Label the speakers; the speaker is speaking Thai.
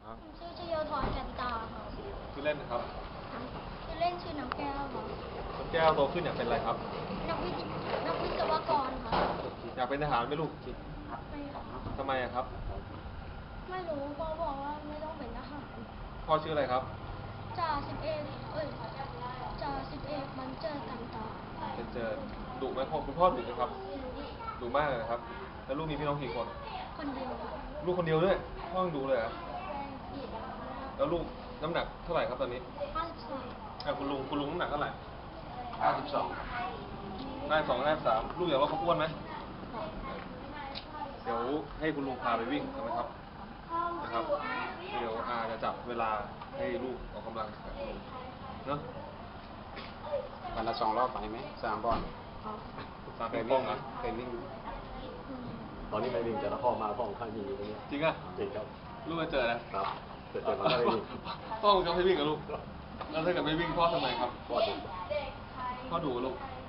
Speaker 1: ครับ
Speaker 2: ชื่อชโยธรแก่นตาค่ะ
Speaker 1: ชื่อเล่นนะครับ
Speaker 2: ชื่อเล่นชื่อน้ำแก้วค่ะ
Speaker 1: น้ำแก้วโตขึ้นอยากเป็นอะไรครับ
Speaker 2: นักวิศวกรค่ะ
Speaker 1: อยากเป็นทหารไหมลูก
Speaker 2: ไม่
Speaker 1: ทำไมอะครับ
Speaker 2: ไม่รู้พ่อบอกว่าไม่ต้องเป็นทหาร
Speaker 1: พ่อชื่ออะไรครับ
Speaker 2: จ่าสิบเอกจ่าสิบเอกมันเจอกันตา
Speaker 1: เจอดุไหมพ่อคุณพ่อดุไหมครับดุมากเลยนะครับแล้วลูกมีพี่น้องกี่คน
Speaker 2: คนเดียว
Speaker 1: ลูกคนเดียวด้วยพ่อยังดุเลยเหรอแล้วลูกน้ำหนักเท่าไหร่ครับตอนนี้
Speaker 2: 54
Speaker 1: คุณลุงน้ำหนักเท่าไหร่
Speaker 3: 52
Speaker 1: 52 53ลูกอยากลดความอ้วนไหมเดี๋ยวให้คุณลุงพาไปวิ่งใช่ไหมครับนะครับเดี๋ยวอาจะจับเวลาให้ลูกออกกำลังกับลุงเนาะ
Speaker 3: วันละ2 รอบไปไหม3 รอบ
Speaker 1: 3
Speaker 3: เคย
Speaker 1: ป้
Speaker 3: วิ่
Speaker 1: อง
Speaker 3: ง
Speaker 1: นะ
Speaker 3: เคยวิ่ง
Speaker 4: ตอนนี้ไม่วิ่งแต่ละพ่อมาพ่อข้างยิงอยู่ตรงนี้
Speaker 1: จริงอ่ะ
Speaker 4: จริงครับ
Speaker 1: ลูกจะเจอนะครับ
Speaker 4: เจอมันก็ไม่วิ่ง
Speaker 1: พ่อจะให้วิ่งกับลูกแล้วถ้าเกิดไม่วิ่งพ่อทำไมครับ
Speaker 4: พ่อดู
Speaker 1: พ่อดุลูก